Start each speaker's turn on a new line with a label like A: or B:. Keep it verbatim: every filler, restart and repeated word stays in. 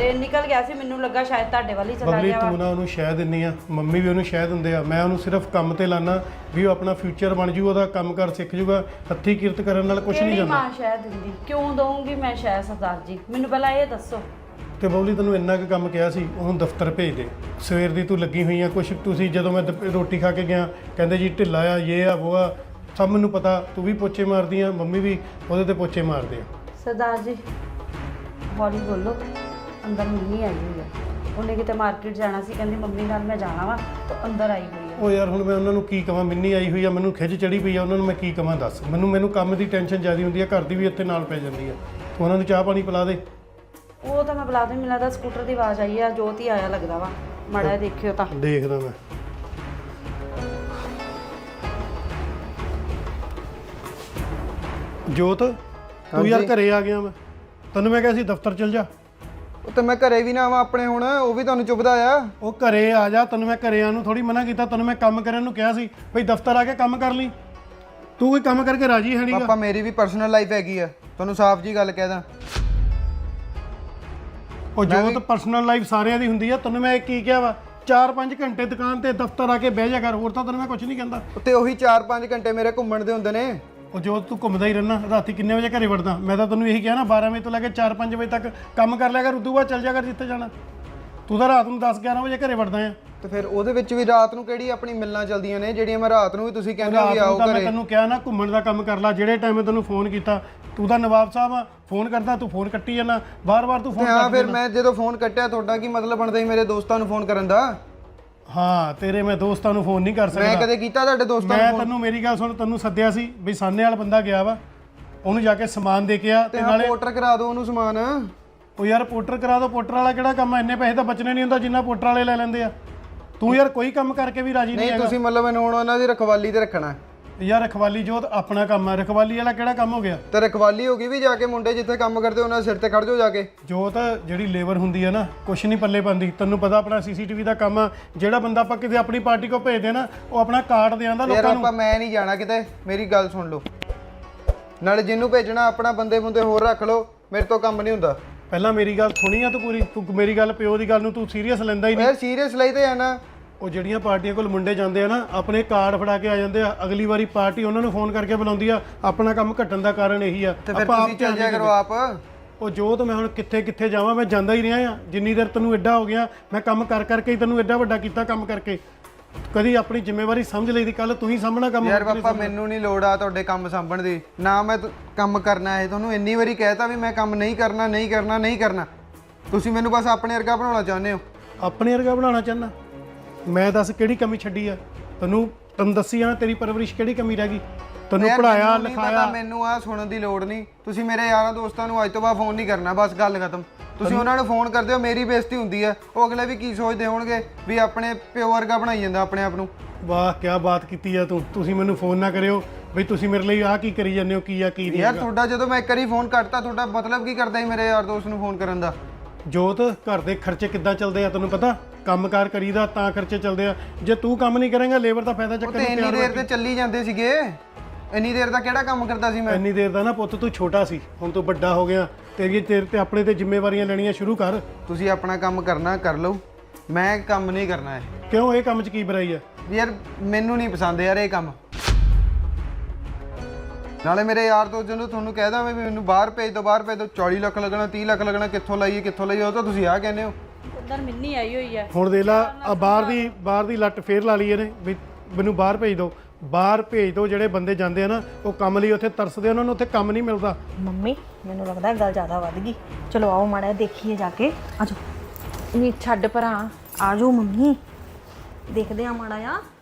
A: Train ਨਿਕਲ ਗਿਆ ਸੀ, ਮੈਨੂੰ ਲੱਗਾ ਸ਼ਾਇਦ ਤੁਹਾਡੇ ਵੱਲ ਹੀ ਚਲਾ
B: ਬਬਲੀ
A: ਗਿਆ ਵਾ।
B: ਤੂੰ ਨਾ ਉਹਨੂੰ ਸ਼ਹਿ ਦਿੰਨੀ ਆ, ਮੰਮੀ ਵੀ ਉਹਨੂੰ ਸ਼ਹਿ ਦਿੰਦੇ ਆ। ਮੈਂ ਉਹਨੂੰ ਸਿਰਫ ਕੰਮ ਤੇ ਲਾਣਾ ਵੀ ਉਹ ਆਪਣਾ ਫਿਊਚਰ ਬਣ ਜੂ, ਉਹਦਾ ਕੰਮ ਕਰ ਸਿੱਖ ਜੂਗਾ। ਹੱਥੀ ਕਿਰਤ ਕਰਨ ਨਾਲ ਕੁਝ ਨਹੀਂ
A: ਕਿਹੜੀ
B: ਜਾਂਦਾ।
A: ਮਾਂ ਸ਼ਾਇਦ ਦਿੰਦੀ, ਕਿਉਂ ਦਊਂਗੀ ਮੈਂ ਸ਼ਾਇਦ ਸਰਦਾਰ ਜੀ, ਮੈਨੂੰ ਪਹਿਲਾਂ ਇਹ ਦੱਸੋ।
B: ਤੇ ਬਬਲੀ ਤੈਨੂੰ ਇੰਨਾ ਕੁ ਕੰਮ ਕਿਹਾ ਸੀ, ਉਹਨੂੰ ਦਫ਼ਤਰ ਭੇਜ ਦੇ। ਸਵੇਰ ਦੀ ਤੂੰ ਲੱਗੀ ਹੋਈ ਆ ਕੁਛ। ਤੁਸੀਂ ਜਦੋਂ ਮੈਂ ਦੁਪ- ਰੋਟੀ ਖਾ ਕੇ ਗਿਆ ਕਹਿੰਦੇ ਜੀ ਢਿੱਲਾ ਆ, ਇਹ ਆ ਉਹ ਆ, ਸਭ ਮੈਨੂੰ ਪਤਾ। ਤੂੰ ਵੀ ਪੋਚੇ ਮਾਰਦੀ ਆ, ਮੰਮੀ ਵੀ ਉਹਦੇ ਤੇ ਪੋਚੇ ਮਾਰਦੇ ਆ।
A: ਸਰਦਾਰ ਜੀ ਹੌਲੀ ਬੋਲੋ, ਅੰਦਰ ਮੰਮੀ ਆਈ ਹੋਈ ਹੈ। ਉਹਨੇ ਕਿਤੇ ਮਾਰਕੀਟ ਜਾਣਾ ਸੀ, ਕਹਿੰਦੀ ਮੰਮੀ ਨਾਲ ਮੈਂ ਜਾਣਾ ਵਾ, ਤਾਂ ਅੰਦਰ ਆਈ ਹੋਈ ਹੈ।
B: ਉਹ ਯਾਰ ਹੁਣ ਮੈਂ ਉਹਨਾਂ ਨੂੰ ਕੀ ਕਵਾਂ, ਮਿੰਨੀ ਆਈ ਹੋਈ ਆ, ਮੈਨੂੰ ਖਿੱਚ ਚੜੀ ਪਈ ਆ, ਉਹਨਾਂ ਨੂੰ ਮੈਂ ਕੀ ਕਵਾਂ ਦੱਸ। ਮੈਨੂੰ ਮੈਨੂੰ ਕੰਮ ਦੀ ਟੈਨਸ਼ਨ ਜ਼ਿਆਦਾ ਹੁੰਦੀ ਆ, ਘਰ ਦੀ ਵੀ ਇੱਥੇ ਨਾਲ ਪੈ ਜਾਂਦੀ ਆ। ਤੂੰ ਉਹਨਾਂ ਨੂੰ ਚਾਹ ਪਾਣੀ ਪਿਲਾ ਦੇ।
A: ਉਹ ਤਾਂ ਮੈਂ ਬੁਲਾ ਦੂੰ, ਮੈਨੂੰ ਲੱਗਦਾ ਸਕੂਟਰ ਦੀ ਆਵਾਜ਼ ਆਈ ਆ, ਜੋਤ ਹੀ ਆਇਆ ਲੱਗਦਾ ਵਾ। ਮਾੜਾ ਜਿਹਾ ਦੇਖਿਓ ਤਾਂ।
B: ਦੇਖਦਾ ਮੈਂ। ਜੋਤ ਤੂੰ ਯਾਰ ਘਰੇ ਆ ਗਿਆ। ਮੈਂ ਤੈਨੂੰ ਮੈਂ ਕਿਹਾ ਸੀ ਦਫ਼ਤਰ ਚਲ ਜਾ।
C: ਉਹ ਤੇ ਮੈਂ ਘਰੇ ਵੀ ਨਾ ਆਵਾਂ ਆਪਣੇ, ਹੁਣ ਉਹ ਵੀ ਤੁਹਾਨੂੰ ਚੁੱਭਦਾ ਆ।
B: ਉਹ ਘਰੇ ਆ ਜਾ, ਤੈਨੂੰ ਮੈਂ ਘਰੇ ਆਉਣ ਨੂੰ ਥੋੜੀ ਮਨਾ ਕੀਤਾ। ਤੈਨੂੰ ਮੈਂ ਕੰਮ ਕਰਨ ਨੂੰ ਕਿਹਾ ਸੀ ਭਈ ਦਫ਼ਤਰ ਆ ਕੇ ਕੰਮ ਕਰ ਲਈ। ਤੂੰ ਕੋਈ ਕੰਮ ਕਰਕੇ ਰਾਜੀ ਹੈ ਨਹੀਂਗਾ।
C: ਪਾਪਾ ਮੇਰੀ ਵੀ ਪਰਸਨਲ ਲਾਈਫ ਹੈਗੀ ਆ, ਤੁਹਾਨੂੰ ਸਾਫ਼ ਜੀ ਗੱਲ ਕਹਿ ਦਾਂ।
B: ਉਹ ਜੋਤ ਪਰਸਨਲ ਲਾਈਫ ਸਾਰਿਆਂ ਦੀ ਹੁੰਦੀ ਆ। ਤੈਨੂੰ ਮੈਂ ਕੀ ਕਿਹਾ ਵਾ, ਚਾਰ ਪੰਜ ਘੰਟੇ ਦੁਕਾਨ ਤੇ ਦਫ਼ਤਰ ਆ ਕੇ ਬਹਿ ਜਾ ਕਰ, ਹੋਰ ਤਾਂ ਤੈਨੂੰ ਮੈਂ ਕੁਝ ਨਹੀਂ ਕਹਿੰਦਾ।
C: ਤੇ ਉਹੀ ਚਾਰ ਪੰਜ ਘੰਟੇ ਮੇਰੇ ਘੁੰਮਣ ਦੇ ਹੁੰਦੇ ਨੇ।
B: ਉਹ ਜੋ ਤੂੰ ਘੁੰਮਦਾ ਹੀ ਰਹਿਣਾ, ਰਾਤੀ ਕਿੰਨੇ ਵਜੇ ਘਰੇ ਵੜਦਾ? ਮੈਂ ਤਾਂ ਤੈਨੂੰ ਇਹੀ ਕਿਹਾ ਨਾ, ਬਾਰਾਂ ਵਜੇ ਤੋਂ ਲੈ ਕੇ ਚਾਰ ਪੰਜ ਵਜੇ ਤੱਕ ਕੰਮ ਕਰ ਲਿਆ ਕਰ, ਉਦੋਂ ਬਾਅਦ ਚੱਲ ਜਾ ਕਰ ਜਿੱਥੇ ਜਾਣਾ। ਤੂੰ ਤਾਂ ਰਾਤ ਨੂੰ ਦਸ ਗਿਆਰਾਂ ਵਜੇ ਘਰੇ ਵੜਦਾ ਆ।
C: ਤੇ ਫਿਰ ਉਹਦੇ ਵਿੱਚ ਵੀ ਰਾਤ ਨੂੰ ਕਿਹੜੀ ਆਪਣੀ ਮਿਲਣਾ ਚੱਲਦੀਆਂ ਨੇ, ਜਿਹੜੀਆਂ ਮੈਂ ਰਾਤ ਨੂੰ ਵੀ ਤੁਸੀਂ ਕਹਿੰਦੇ ਹੋ ਵੀ ਆਓ
B: ਤਾਂ ਮੈਂ
C: ਘਰੇ।
B: ਤੈਨੂੰ ਕਿਹਾ ਨਾ ਘੁੰਮਣ ਦਾ ਕੰਮ ਕਰ ਲੈ। ਜਿਹੜੇ ਟਾਈਮ ਮੈਂ ਤੈਨੂੰ ਫੋਨ ਕੀਤਾ, ਤੂੰ ਤਾਂ ਨਵਾਬ ਸਾਹਿਬ ਆ, ਫੋਨ ਕਰਦਾ ਤੂੰ ਫੋਨ ਕੱਟੀ ਜਾਂਦਾ, ਬਾਰ-ਬਾਰ ਤੂੰ ਫੋਨ
C: ਹਾਂ ਫਿਰ ਮੈਂ ਜਦੋਂ ਫੋਨ ਕੱਟਿਆ, ਤੁਹਾਡਾ ਕੀ ਮਤਲਬ ਬਣਦਾ ਸੀ ਮੇਰੇ ਦੋਸਤਾਂ ਨੂੰ ਫੋਨ ਕਰਨ ਦਾ?
B: ਹਾਂ ਤੇਰੇ ਮੈਂ ਦੋਸਤਾਂ ਨੂੰ ਫੋਨ ਨਹੀਂ ਕਰ ਸਕਦਾ।
C: ਮੈਂ ਕਦੇ ਕੀਤਾ ਤੁਹਾਡੇ ਦੋਸਤਾਂ
B: ਮੈਂ
C: ਨੂੰ?
B: ਤੈਨੂੰ ਮੇਰੀ ਗੱਲ ਸੁਣ, ਤੈਨੂੰ ਸੱਦਿਆ ਸੀ ਵੀ ਸਾਨੇ ਵਾਲਾ ਬੰਦਾ ਗਿਆ ਵਾ, ਉਹਨੂੰ ਜਾ ਕੇ ਸਮਾਨ ਦੇ ਕੇ ਆ।
C: ਤੇ ਨਾਲੇ ਪੋਰਟਰ ਕਰਾ ਦਿਓ ਉਹਨੂੰ ਸਮਾਨ।
B: ਉਹ ਯਾਰ ਪੋਰਟਰ ਕਰਾ ਦੋ, ਪੋਰਟਰ ਵਾਲਾ ਕਿਹੜਾ ਕੰਮ ਆ? ਇੰਨੇ ਪੈਸੇ ਤਾਂ ਬਚਣੇ ਨਹੀਂ ਹੁੰਦਾ ਜਿੰਨਾ ਪੋਰਟਰ ਵਾਲੇ ਲੈ ਲੈਂਦੇ ਆ। ਤੂੰ ਯਾਰ ਕੋਈ ਕੰਮ ਕਰਕੇ ਵੀ ਰਾਜੀ ਨਹੀਂ
C: ਨਹੀਂ
B: ਹੈਗਾ।
C: ਤੁਸੀਂ ਮਤਲਬ ਮੈਨੂੰ ਹੁਣ ਉਹਨਾਂ ਦੀ ਰਖਵਾਲੀ ਤੇ ਰੱਖਣਾ।
B: ਯਾਰ ਰਖਵਾਲੀ ਜੋਤ ਆਪਣਾ ਕੰਮ ਆ, ਰਖਵਾਲੀ ਵਾਲਾ ਕਿਹੜਾ ਕੰਮ ਹੋ ਗਿਆ?
C: ਤੇ ਰਖਵਾਲੀ ਹੋ ਗਈ ਵੀ ਜਾ ਕੇ ਮੁੰਡੇ ਜਿੱਥੇ ਕੰਮ ਕਰਦੇ ਉਹਨਾਂ ਦੇ ਸਿਰ ਤੇ ਖੜ ਜਾਓ ਜਾ ਕੇ।
B: ਜੋਤ ਜਿਹੜੀ ਲੇਬਰ ਹੁੰਦੀ ਆ ਨਾ, ਕੁਛ ਨਹੀਂ ਪੱਲੇ ਪਾਉਂਦੀ। ਤੈਨੂੰ ਪਤਾ ਆਪਣਾ ਸੀਸੀਟੀਵੀ ਦਾ ਕੰਮ ਆ। ਜਿਹੜਾ ਬੰਦਾ ਆਪਾਂ ਕਿਤੇ ਆਪਣੀ ਪਾਰਟੀ ਕੋ ਭੇਜਦੇ ਨਾ, ਉਹ ਆਪਣਾ ਕਾਰਡ ਦੇ ਆਂਦਾ
C: ਯਾਰ
B: ਲੋਕਾਂ ਨੂੰ।
C: ਆਪਾਂ ਮੈਂ ਨਹੀਂ ਜਾਣਾ ਕਿਤੇ, ਮੇਰੀ ਗੱਲ ਸੁਣ ਲਓ। ਨਾਲੇ ਜਿਹਨੂੰ ਭੇਜਣਾ ਆਪਣਾ ਬੰਦੇ ਬੰਦੇ ਹੋਰ ਰੱਖ ਲਓ, ਮੇਰੇ ਤੋਂ ਕੰਮ ਨਹੀਂ ਹੁੰਦਾ।
B: ਪਹਿਲਾਂ ਮੇਰੀ ਗੱਲ ਸੁਣੀ ਆ ਤੂੰ ਪੂਰੀ? ਤੂੰ ਮੇਰੀ ਗੱਲ ਪਿਓ ਦੀ ਗੱਲ ਨੂੰ ਤੂੰ ਸੀਰੀਅਸ ਲੈਂਦਾ ਹੀ ਨਹੀਂ।
C: ਯਾਰ ਸੀਰੀਅਸ ਲਈ ਤੇ ਆ ਨਾ।
B: ਉਹ ਜਿਹੜੀਆਂ ਪਾਰਟੀਆਂ ਕੋਲ ਮੁੰਡੇ ਜਾਂਦੇ ਆ ਨਾ, ਆਪਣੇ ਕਾਰਡ ਫੜਾ ਕੇ ਆ ਜਾਂਦੇ ਆ। ਅਗਲੀ ਵਾਰੀ ਪਾਰਟੀ ਉਹਨਾਂ ਨੂੰ ਫੋਨ ਕਰਕੇ ਬੁਲਾਉਂਦੀ ਆ। ਆਪਣਾ ਕੰਮ ਘਟਣ ਦਾ ਕਾਰਨ ਇਹੀ ਆ।
C: ਤੇ ਫਿਰ ਤੁਸੀਂ ਚੱਲ ਜਾਇਆ ਕਰੋ ਆਪ।
B: ਉਹ ਜੋਤ ਮੈਂ ਹੁਣ ਕਿੱਥੇ ਕਿੱਥੇ ਜਾਵਾਂ? ਮੈਂ ਜਾਂਦਾ ਹੀ ਰਿਹਾ ਆ। ਜਿੰਨੀ ਦੇਰ ਤੈਨੂੰ ਐਡਾ ਹੋ ਗਿਆ, ਮੈਂ ਕੰਮ ਕਰ ਕਰਕੇ ਹੀ ਤੈਨੂੰ ਐਡਾ ਵੱਡਾ ਕੀਤਾ। ਕੰਮ ਕਰਕੇ ਕਦੀ ਆਪਣੀ ਜ਼ਿੰਮੇਵਾਰੀ ਸਮਝ ਲਈਦੀ। ਕੱਲ ਤੂੰ ਹੀ ਸਾਹਮਣਾ ਕੰਮ।
C: ਯਾਰ ਪਾਪਾ ਮੈਨੂੰ ਨਹੀਂ ਲੋੜ ਆ ਤੁਹਾਡੇ ਕੰਮ ਸਾਂਭਣ ਦੀ। ਨਾ ਮੈਂ ਤ- ਕੰਮ ਕਰਨਾ ਹੈ। ਤੁਹਾਨੂੰ ਇੰਨੀ ਵਾਰੀ ਕਹਿਤਾ ਵੀ ਮੈਂ ਕੰਮ ਨਹੀਂ ਕਰਨਾ ਨਹੀਂ ਕਰਨਾ ਨਹੀਂ ਕਰਨਾ। ਤੁਸੀਂ ਮੈਨੂੰ ਬਸ ਆਪਣੇ ਵਰਗਾ ਬਣਾਉਣਾ ਚਾਹੁੰਦੇ ਹੋ।
B: ਆਪਣੇ ਵਰਗਾ ਬਣਾਉਣਾ ਚਾਹੁੰਦਾ? ਮੈਂ ਦੱਸ ਕਿਹੜੀ ਕਮੀ ਛੱਡੀ ਆ ਤੈਨੂੰ? ਤੈਨੂੰ ਦੱਸੀ ਆ ਨਾ, ਤੇਰੀ ਪਰਵਰਿਸ਼ ਕਿਹੜੀ ਕਮੀ ਰਹਿ ਗਈ? ਤੈਨੂੰ
C: ਯਾਰ
B: ਪੜਾਇਆ
C: ਮੈਨੂੰ ਨਹੀਂ
B: ਲਿਖਾਇਆ।
C: ਪਤਾ, ਮੈਨੂੰ ਆ ਸੁਣਨ ਦੀ ਲੋੜ ਨਹੀਂ। ਤੁਸੀਂ ਮੇਰੇ ਯਾਰਾਂ ਦੋਸਤਾਂ ਨੂੰ ਅੱਜ ਤੋਂ ਬਾਅਦ ਫੋਨ ਨਹੀਂ ਕਰਨਾ, ਬਸ ਗੱਲ ਖਤਮ। ਤੁਸੀਂ ਉਹਨਾਂ ਨੂੰ ਫੋਨ ਕਰਦੇ ਹੋ, ਮੇਰੀ ਬੇਇੱਜ਼ਤੀ ਹੁੰਦੀ ਹੈ। ਉਹ ਅਗਲੇ ਵੀ ਕੀ ਸੋਚਦੇ ਹੋਣਗੇ ਵੀ ਆਪਣੇ ਪਿਓ ਵਰਗਾ ਬਣਾਈ ਜਾਂਦਾ ਆਪਣੇ ਆਪ ਨੂੰ।
B: ਵਾਹ ਕੀ ਬਾਤ ਕੀਤੀ ਆ ਤੂੰ। ਤੁਸੀਂ ਮੈਨੂੰ ਫੋਨ ਨਾ ਕਰਿਓ ਬਈ ਤੁਸੀਂ ਮੇਰੇ ਲਈ ਆਹ ਕੀ ਕਰੀ ਜਾਂਦੇ ਹੋ, ਕੀ ਆ ਕੀ ਨਹੀਂ।
C: ਯਾਰ ਤੁਹਾਡਾ ਜਦੋਂ ਮੈਂ ਇੱਕ ਵਾਰੀ ਫੋਨ ਕੱਟਤਾ, ਤੁਹਾਡਾ ਮਤਲਬ ਕੀ ਕਰਦਾ ਸੀ ਮੇਰੇ ਯਾਰ ਦੋਸਤ ਨੂੰ ਫੋਨ ਕਰਨ ਦਾ?
B: ਜੋਤ ਘਰ ਦੇ ਖਰਚੇ ਕਿੱਦਾਂ ਚੱਲਦੇ ਆ ਤੈਨੂੰ ਪਤਾ? ਕੰਮਕਾਰ ਕਰੀਦਾ ਤਾਂ ਖਰਚੇ ਚੱਲਦੇ ਆ। ਜੇ ਤੂੰ ਕੰਮ ਨਹੀਂ ਕਰੇਂਗਾ, ਲੇਬਰ ਦਾ ਫਾਇਦਾ
C: ਉਹ
B: ਚੱਕਣ
C: ਤੇ
B: ਨੂੰ
C: ਇੰਨੀ
B: ਤਿਆਰ
C: ਦੇਰ ਤੇ ਚੱਲੀ ਜਾਂਦੇ ਸੀਗੇ। ਇੰਨੀ ਦੇਰ ਦਾ ਕਿਹੜਾ ਕੰਮ ਕਰਦਾ ਸੀ ਮੈਂ?
B: ਇੰਨੀ ਦੇਰ ਦਾ ਨਾ ਪੁੱਤ ਤੂੰ ਛੋਟਾ ਸੀ, ਹੁਣ ਤੂੰ ਵੱਡਾ ਹੋ ਗਿਆ। ਤੇਰੀ ਤੇਰੇ ਤੇ ਆਪਣੇ ਤੇ ਜ਼ਿੰਮੇਵਾਰੀਆਂ ਲੈਣੀਆਂ ਸ਼ੁਰੂ ਕਰ।
C: ਤੁਸੀਂ ਆਪਣਾ ਕੰਮ ਕਰਨਾ ਕਰ ਲਓ, ਮੈਂ ਕੰਮ ਨਹੀਂ ਕਰਨਾ ਹੈ।
B: ਕਿਉਂ? ਇਹ ਕੰਮ 'ਚ ਕੀ ਬੁਰਾਈ ਆ?
C: ਯਾਰ ਮੈਨੂੰ ਨਹੀਂ ਪਸੰਦ ਯਾਰ ਇਹ ਕੰਮ। ਨਾਲੇ ਮੇਰੇ ਯਾਰ ਤੋਂ ਜਦੋਂ ਤੁਹਾਨੂੰ ਕਹਿਦਾ ਵੀ ਮੈਨੂੰ ਬਾਹਰ ਭੇਜ ਦਿਓ ਬਾਹਰ ਭੇਜ ਦਿਓ, ਚਾਲੀ ਲੱਖ ਲੱਗਣਾ ਤੀਹ ਲੱਖ ਲੱਗਣਾ, ਕਿੱਥੋਂ ਲਾਈਏ ਕਿੱਥੋਂ ਲਾਈਏ, ਉਹ ਤਾਂ ਤੁਸੀਂ ਆਹ ਕਹਿੰਦੇ ਹੋ।
A: ਉਧਰ ਮਿੰਨੀ ਆਈ ਹੋਈ ਹੈ।
B: ਹੁਣ ਦੇਖ ਲਾ ਆ ਬਾਹਰ ਦੀ ਬਾਹਰ ਦੀ ਲੱਟ ਫੇਰ ਲਾ ਲਈ ਇਹਨੇ ਵੀ ਮੈਨੂੰ ਬਾਹਰ ਭੇਜ ਦਿਓ। ਬਾਹਰ ਭੇਜ ਦਿਓ। ਜਿਹੜੇ ਬੰਦੇ ਜਾਂਦੇ ਆ ਨਾ, ਉਹ ਕੰਮ ਲਈ ਉੱਥੇ ਤਰਸਦੇ, ਉਹਨਾਂ ਨੂੰ ਉੱਥੇ ਕੰਮ ਨਹੀਂ ਮਿਲਦਾ।
D: ਮੰਮੀ ਮੈਨੂੰ ਲੱਗਦਾ ਗੱਲ ਜ਼ਿਆਦਾ ਵੱਧ ਗਈ। ਚਲੋ ਆਓ ਮਾੜਾ ਜਿਹਾ ਦੇਖੀਏ ਜਾ ਕੇ। ਆਜੋ। ਨਹੀਂ ਛੱਡ ਭਰਾ, ਆਜੋ ਮੰਮੀ, ਦੇਖਦੇ ਆ ਮਾੜਾ ਜਿਹਾ।